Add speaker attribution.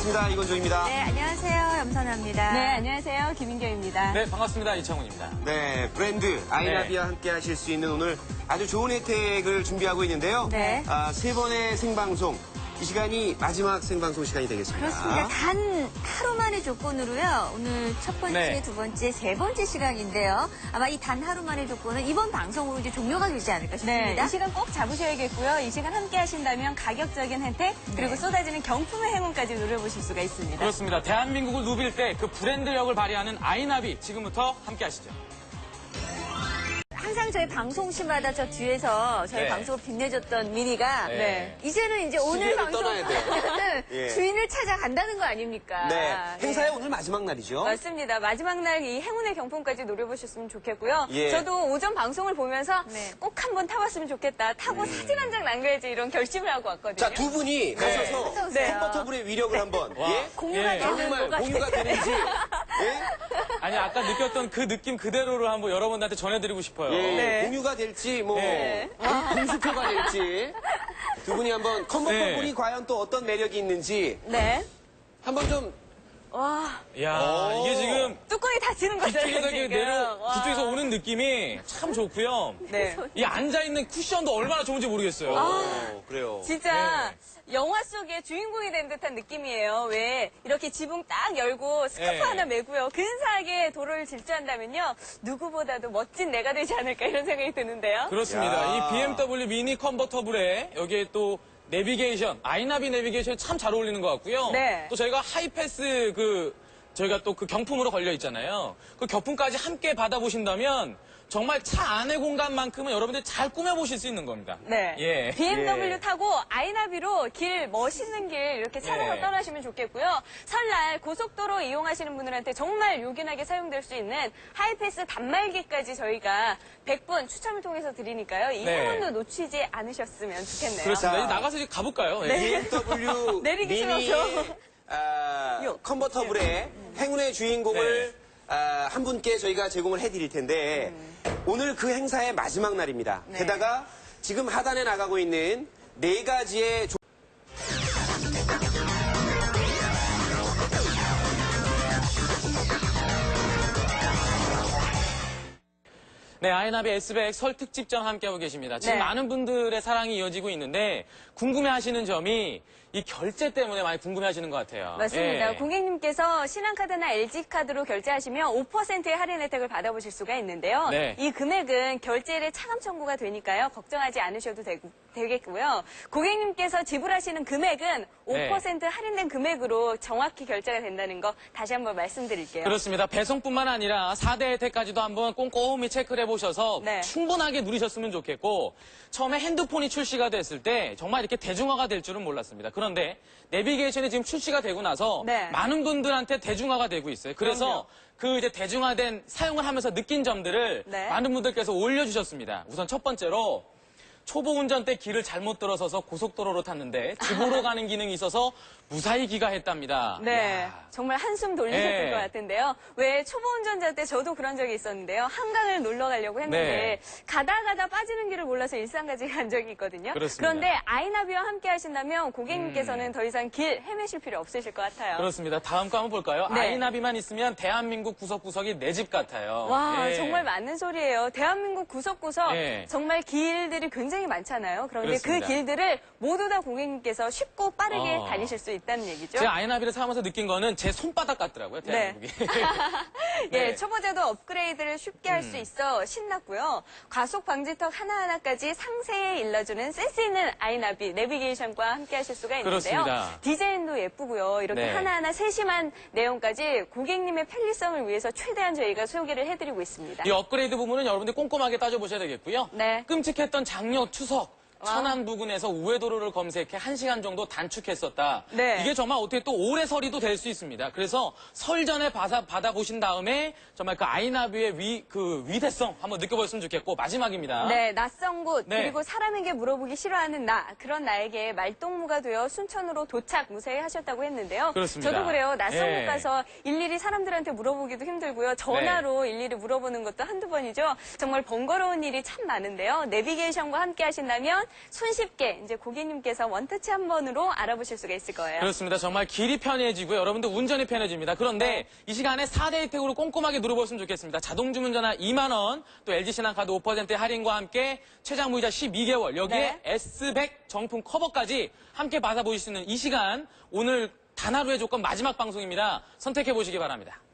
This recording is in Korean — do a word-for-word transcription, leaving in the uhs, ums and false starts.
Speaker 1: 반갑습니다. 이건조입니다.
Speaker 2: 네, 안녕하세요. 염선아입니다.
Speaker 3: 네, 안녕하세요. 김인경입니다.
Speaker 4: 네, 반갑습니다. 이창훈입니다.
Speaker 1: 네, 브랜드 아이나비와
Speaker 4: 네.
Speaker 1: 함께 하실 수 있는 오늘 아주 좋은 혜택을 준비하고 있는데요.
Speaker 2: 네.
Speaker 1: 아, 세 번의 생방송. 이 시간이 마지막 생방송 시간이 되겠습니다.
Speaker 2: 그렇습니다. 단 하루만의 조건으로요. 오늘 첫 번째,
Speaker 4: 네.
Speaker 2: 두 번째, 세 번째 시간인데요. 아마 이 단 하루만의 조건은 이번 방송으로 이제 종료가 되지 않을까
Speaker 3: 네,
Speaker 2: 싶습니다.
Speaker 3: 이 시간 꼭 잡으셔야겠고요. 이 시간 함께 하신다면 가격적인 혜택, 그리고 쏟아지는 경품의 행운까지 누려보실 수가 있습니다.
Speaker 4: 그렇습니다. 대한민국을 누빌 때 그 브랜드력을 발휘하는 아이나비 지금부터 함께 하시죠.
Speaker 2: 항상 저희 방송 시마다 저 뒤에서 저희
Speaker 4: 네.
Speaker 2: 방송을 빛내줬던 미니가
Speaker 4: 네.
Speaker 2: 이제는 이제 오늘
Speaker 1: 시계를
Speaker 2: 방송
Speaker 1: 떠나야 돼요. 예.
Speaker 2: 주인을 찾아간다는 거 아닙니까?
Speaker 1: 네,
Speaker 2: 네.
Speaker 1: 행사의 오늘 마지막 날이죠.
Speaker 3: 맞습니다. 마지막 날 이 행운의 경품까지 노려보셨으면 좋겠고요.
Speaker 1: 예.
Speaker 3: 저도 오전 방송을 보면서
Speaker 2: 네.
Speaker 3: 꼭 한번 타봤으면 좋겠다. 타고 사진 한 장 남겨야지 이런 결심을 하고 왔거든요.
Speaker 1: 자, 두 분이 가셔서
Speaker 2: 어서오세요.
Speaker 1: 컨버터블의 위력을 한번
Speaker 4: 와.
Speaker 1: 예?
Speaker 2: 공유가
Speaker 4: 예.
Speaker 2: 되는
Speaker 1: 정말
Speaker 2: 뭐가
Speaker 1: 공유가 되는지 예?
Speaker 4: 아니, 아까 느꼈던 그 느낌 그대로를 한번 여러분들한테 전해드리고 싶어요.
Speaker 1: 예,
Speaker 3: 네.
Speaker 1: 공유가 될지 뭐
Speaker 3: 네.
Speaker 1: 공수표가 될지 두 분이 한번 컨버터블이
Speaker 4: 네.
Speaker 1: 과연 또 어떤 매력이 있는지
Speaker 3: 네.
Speaker 1: 한번 좀
Speaker 3: 와,
Speaker 4: 이야,
Speaker 1: 오.
Speaker 4: 이게 지금
Speaker 3: 뚜껑이 닫히는 거잖아요,
Speaker 4: 뒤쪽에서 이렇게
Speaker 3: 지금.
Speaker 4: 내려,
Speaker 3: 와.
Speaker 4: 뒤쪽에서 오는 느낌이 참 좋고요.
Speaker 3: 네.
Speaker 4: 이 앉아있는 쿠션도 얼마나 좋은지 모르겠어요.
Speaker 1: 어, 그래요.
Speaker 3: 진짜 영화 속의 주인공이 된 듯한 느낌이에요. 왜 이렇게 지붕 딱 열고 스카프
Speaker 4: 네.
Speaker 3: 하나 메고요. 근사하게 도로를 질주한다면요. 누구보다도 멋진 내가 되지 않을까 이런 생각이 드는데요.
Speaker 4: 그렇습니다.
Speaker 1: 야.
Speaker 4: 이 비엠더블유 미니 컨버터블에 여기에 또 내비게이션, 아이나비 내비게이션이 참 잘 어울리는 것 같고요.
Speaker 3: 네.
Speaker 4: 또 저희가 하이패스 그 저희가 또 그 경품으로 걸려 있잖아요. 그 경품까지 함께 받아보신다면 정말 차 안의 공간만큼은 여러분들이 잘 꾸며보실 수 있는 겁니다.
Speaker 3: 네.
Speaker 4: 예.
Speaker 3: 비엠더블유
Speaker 1: 예.
Speaker 3: 타고 아이나비로 길, 멋있는 길 이렇게 찾아서
Speaker 4: 예.
Speaker 3: 떠나시면 좋겠고요. 설날 고속도로 이용하시는 분들한테 정말 요긴하게 사용될 수 있는 하이패스 단말기까지 저희가 백 분 추첨을 통해서 드리니까요. 이
Speaker 4: 네.
Speaker 3: 행운도 놓치지 않으셨으면 좋겠네요.
Speaker 4: 그렇습니다.
Speaker 1: 자.
Speaker 4: 이제 나가서 이제 가볼까요? 예.
Speaker 1: 비엠더블유
Speaker 3: 내리기
Speaker 1: 미니
Speaker 3: 싫어서.
Speaker 1: 아,
Speaker 3: 요.
Speaker 1: 컨버터블의 행운의 주인공을
Speaker 4: 네.
Speaker 1: 아, 한 분께 저희가 제공을 해드릴 텐데 오늘 그 행사의 마지막 날입니다.
Speaker 3: 네.
Speaker 1: 게다가 지금 하단에 나가고 있는 네 가지의 조...
Speaker 4: 네, 아이나비 에스백 설 특집전 함께하고 계십니다. 지금
Speaker 3: 네.
Speaker 4: 많은 분들의 사랑이 이어지고 있는데 궁금해하시는 점이 이 결제 때문에 많이 궁금해하시는 것 같아요.
Speaker 3: 맞습니다.
Speaker 4: 예.
Speaker 3: 고객님께서 신한카드나 엘지카드로 결제하시면 오 퍼센트의 할인 혜택을 받아보실 수가 있는데요.
Speaker 4: 네.
Speaker 3: 이 금액은 결제일에 차감 청구가 되니까요. 걱정하지 않으셔도 되고, 되겠고요. 고객님께서 지불하시는 금액은
Speaker 4: 네.
Speaker 3: 오 퍼센트 할인된 금액으로 정확히 결제가 된다는 거 다시 한번 말씀드릴게요.
Speaker 4: 그렇습니다. 배송뿐만 아니라 사 대 혜택까지도 한번 꼼꼼히 체크를 해보셔서
Speaker 3: 네.
Speaker 4: 충분하게 누리셨으면 좋겠고 처음에 핸드폰이 출시가 됐을 때 정말 이렇게 대중화가 될 줄은 몰랐습니다. 그런데 내비게이션이 지금 출시가 되고 나서
Speaker 3: 네.
Speaker 4: 많은 분들한테 대중화가 되고 있어요. 그래서 그 이제 대중화된 사용을 하면서 느낀 점들을
Speaker 3: 네.
Speaker 4: 많은 분들께서 올려주셨습니다. 우선 첫 번째로 초보 운전 때 길을 잘못 들어서서 고속도로로 탔는데 집으로 가는 기능이 있어서 무사히 귀가했답니다.
Speaker 3: 네,
Speaker 4: 이야.
Speaker 3: 정말 한숨 돌리셨을
Speaker 4: 네.
Speaker 3: 것 같은데요. 왜 초보 운전자 때 저도 그런 적이 있었는데요. 한강을 놀러 가려고 했는데
Speaker 4: 네.
Speaker 3: 가다 가다 빠지는 길을 몰라서 일산까지 간 적이 있거든요.
Speaker 4: 그렇습니다.
Speaker 3: 그런데 아이나비와 함께 하신다면 고객님께서는
Speaker 4: 음.
Speaker 3: 더 이상 길 헤매실 필요 없으실 것 같아요.
Speaker 4: 그렇습니다. 다음 거 한번 볼까요?
Speaker 3: 네.
Speaker 4: 아이나비만 있으면 대한민국 구석구석이 내 집 같아요.
Speaker 3: 와,
Speaker 4: 예.
Speaker 3: 정말 맞는 소리예요. 대한민국 구석구석
Speaker 4: 예.
Speaker 3: 정말 길들이 굉장히 많잖아요. 그런데
Speaker 4: 그렇습니다.
Speaker 3: 그 길들을 모두 다 고객님께서 쉽고 빠르게
Speaker 4: 어.
Speaker 3: 다니실 수 있다는 얘기죠.
Speaker 4: 제가 아이나비를 사면서 느낀 거는 제 손바닥 같더라고요, 대한민국이.
Speaker 3: 예,
Speaker 4: 네.
Speaker 3: 초보자도 업그레이드를 쉽게 할 수
Speaker 4: 음.
Speaker 3: 있어 신났고요. 과속 방지턱 하나하나까지 상세히 일러주는 센스 있는 아이나비 내비게이션과 함께 하실 수가 있는데요.
Speaker 4: 그렇습니다.
Speaker 3: 디자인도 예쁘고요. 이렇게
Speaker 4: 네.
Speaker 3: 하나하나 세심한 내용까지 고객님의 편리성을 위해서 최대한 저희가 소개를 해드리고 있습니다.
Speaker 4: 이 업그레이드 부분은 여러분들이 꼼꼼하게 따져보셔야 되겠고요.
Speaker 3: 네.
Speaker 4: 끔찍했던 작년 추석.
Speaker 3: 와.
Speaker 4: 천안 부근에서 우회도로를 검색해 한 시간 정도 단축했었다.
Speaker 3: 네.
Speaker 4: 이게 정말 어떻게 또 올해 설이도 될 수 있습니다. 그래서 설 전에 받아, 받아보신 다음에 정말 그 아이나비의 위, 그 위대성 한번 느껴보셨으면 좋겠고 마지막입니다.
Speaker 3: 네, 낯선 곳
Speaker 4: 네.
Speaker 3: 그리고 사람에게 물어보기 싫어하는 나 그런 나에게 말동무가 되어 순천으로 도착 무사히 하셨다고 했는데요.
Speaker 4: 그렇습니다.
Speaker 3: 저도 그래요. 낯선
Speaker 4: 예.
Speaker 3: 곳 가서 일일이 사람들한테 물어보기도 힘들고요. 전화로
Speaker 4: 네.
Speaker 3: 일일이 물어보는 것도 한두 번이죠. 정말 번거로운 일이 참 많은데요. 내비게이션과 함께 하신다면 손쉽게 이제 고객님께서 원터치 한 번으로 알아보실 수가 있을 거예요.
Speaker 4: 그렇습니다. 정말 길이 편해지고요. 여러분들 운전이 편해집니다. 그런데
Speaker 3: 네.
Speaker 4: 이 시간에 사 대 혜택으로 꼼꼼하게 누려보시면 좋겠습니다. 자동 주문 전화 이만 원, 또 엘지 신한카드 오 퍼센트의 할인과 함께 최장 무이자 십이 개월, 여기에
Speaker 3: 네.
Speaker 4: 에스 백 정품 커버까지 함께 받아보실 수 있는 이 시간, 오늘 단 하루의 조건 마지막 방송입니다. 선택해 보시기 바랍니다.